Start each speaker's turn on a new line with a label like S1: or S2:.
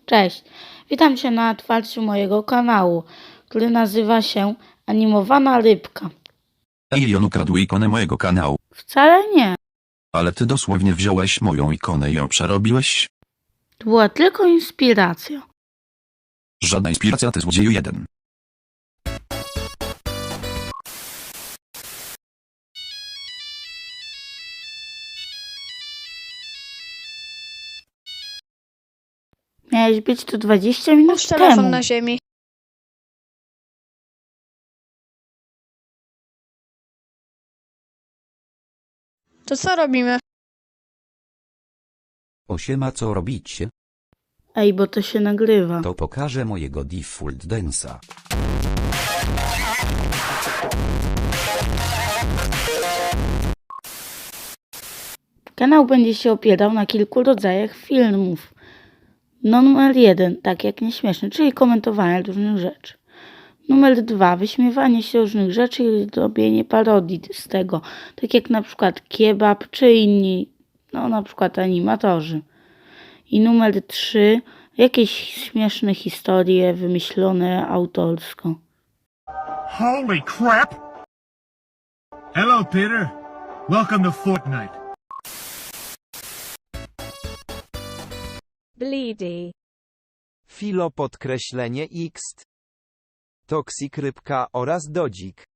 S1: Cześć, witam Cię na otwarciu mojego kanału, który nazywa się Animowana Rybka.
S2: Ej, on ukradł ikonę mojego kanału.
S1: Wcale nie,
S2: Ale ty dosłownie wziąłeś moją ikonę i ją przerobiłeś?
S1: to była tylko inspiracja.
S2: Żadna inspiracja, ty złodzieju jeden.
S1: Miałeś być tu 20 minut
S3: Połóż telefon
S1: temu.
S3: na ziemi. To co robimy?
S4: Osiema, co robicie?
S1: Ej, bo to się nagrywa.
S4: To pokażę mojego default dance'a.
S1: Kanał będzie się opierał na kilku rodzajach filmów. Numer 1, tak jak nieśmieszny, czyli komentowanie różnych rzeczy. Numer 2, wyśmiewanie się różnych rzeczy i robienie parodii z tego, tak jak na przykład kebab czy inni, na przykład animatorzy. I numer 3, jakieś śmieszne historie wymyślone autorsko.
S5: Holy crap! Hello, Peter. Welcome to Fortnite.
S6: Bleedy.
S7: Filo podkreślenie X. Toksik rybka oraz dodzik.